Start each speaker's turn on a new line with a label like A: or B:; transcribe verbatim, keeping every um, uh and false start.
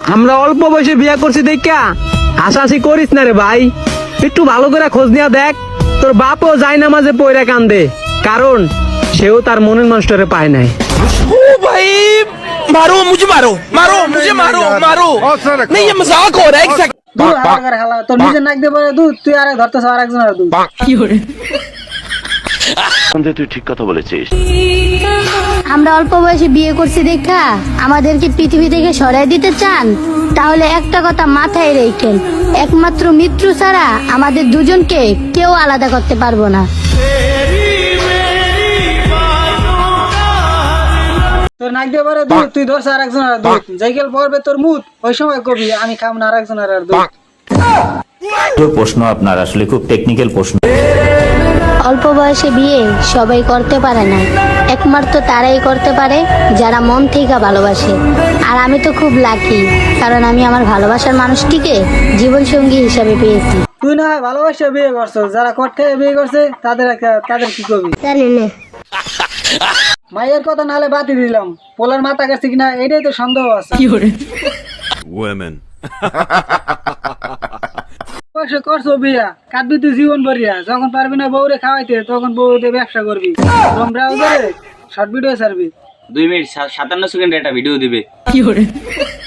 A: আমরা অল্প বয়সে বিয়ে করছি দেখা হাসাহাসি করিস না রে ভাই, একটু ভালো করে খোঁজ নিয়ে দেখ। তোর বাপও যায় না মাঝে পয়রা কান্দে, কারণ সেও তার মনের মানুষটারে পায় নাই।
B: ओ भाई मारो मुझे मारो मारो मुझे मारो मारो नहीं ये मजाक हो रहा है एक सेकंड
C: দুধ হারাকার খালা তোর নিজের নাক দিয়ে পরে দুধ তুই আরে ধরতেছ আর একজনের দুধ।
D: তুই ঠিক কথা বলেছিস।
E: আমরা অল্প বয়সে বিয়ে করছি দেখা আমাদেরকে পৃথিবী থেকে সরাই দিতে চান? তাহলে একটা কথা মাথায় রেখেন, একমাত্র মৃত্যু ছাড়া আমাদের দুজনকে কেউ আলাদা করতে পারবো না।
C: তোর নাক দিয়ে পরে দুধ তুই ধরছ আর একজনের দুধ, যাইকেল পড়বে তোর মুখ ওই সময় কবি আমি খাম না আর একজনের আর দুধ।
F: প্রশ্ন আপনার আসলে খুব টেকনিক্যাল প্রশ্ন।
E: অল্প বয়সে বিয়ে সবাই করতে পারে না, একমাত্র তারাই করতে পারে যারা মন থেকে ভালোবাসে। আর আমি তো খুব লাকি, কারণ আমি আমার ভালোবাসার মানুষটিকে জীবন সঙ্গী হিসাবে পেয়েছি।
C: তুই না হয় ভালোবাসা বিয়ে করছো, যারা কট খেয়ে বিয়ে করছে তাদের একটা- তাদের কি কবি
E: জানি না।
C: মায়ের কথা নাহলে বাতি দিলাম, পোলার মাথা কাছে কিনা এটাই তো সন্দেহ আছে। বয়সে করছো বিয়া কাঁদবি তুই জীবন ভরিয়া, যখন পারবি না বউরে খাওয়াইতে তখন বউতে ব্যবসা করবি, ক্রোম ব্রাউজারে শর্ট ভিডিও ছাড়বি।
G: দুই মিনিট সাতান্ন সেকেন্ড একটা ভিডিও দিবে।